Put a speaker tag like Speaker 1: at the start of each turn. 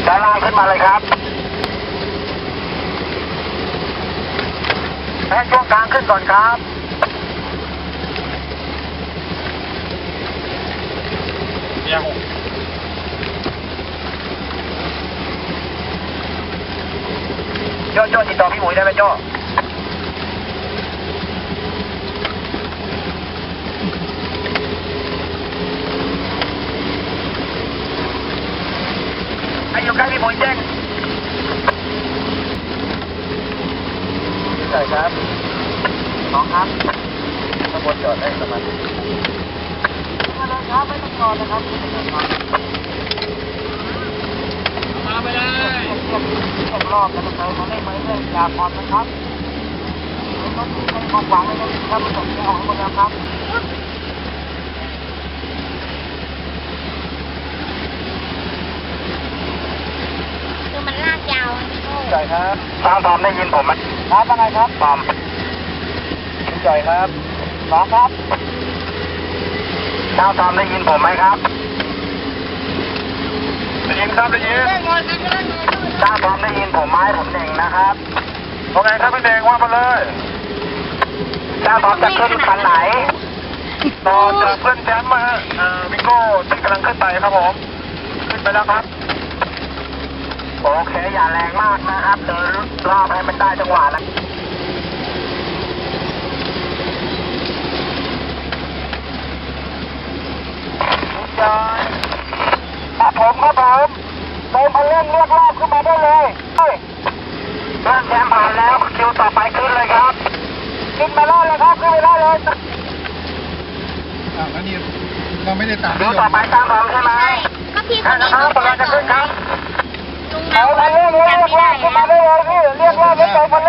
Speaker 1: ด้านล่างขึ้นมาเลยครับให้ช่วงกลางขึ้นก่อนครับเนี่ยหกโจ้ติดต่อพี่หมุยได้ไหมโจ้ให้อยู่ใกล้พี่หมุยแจ้งใช่ครับน้องครับข้างบนจอดได้ประมาณมาเลยครับไม่ต้องจอดนะครับมาไปเลยรอบแล้วก็เลยมาเล่นมาเรื่อยๆอย่าผ่อนนะครับรถที่เป็นของหวังเลยนะครับผสมออกหมดแล้วครับ
Speaker 2: คือมันลากยาวพี่โก้
Speaker 1: ใช่ครับทอมได้ยินผมไหมครับว่าไงครับทอมใช่ครับน้องครับทอมได้ยินผมไหมครับได้ยินครับได้ยินทอมได้ยินผมไหมผมเด่งนะครับว่าไงครับพี่เด่งว่ามาเลยทอมจะขึ้นคันไหนต่อจากเพื่อนแชมป์มาวิโก้ที่กำลังขึ้นไปครับผมขึ้นไปแล้วครับโอเคอย่าแรงมากนะครับเดินรอบให้มันได้จังหวะนะครับผมเดินมาเล่นเรียกรอบขึ้นมาได้เลยเพื่อนแชมป์ผ่านแล้วคิวต่อไปขึ้นเลยครับขึ้นมาได้เลยครับขึ้นไปได้เลย
Speaker 3: แล้วนี่เราไม่ได้ตาม
Speaker 1: คิวต่อไปตามผมใช่ไหม
Speaker 2: ใช่ก็พี่คนนี้
Speaker 1: ครับกำลังจะขึ้นครับ
Speaker 2: ลุงเมา
Speaker 1: เรียกรอบขึ้นมาได้เลยพี่เรียกรอบไม่ไปคน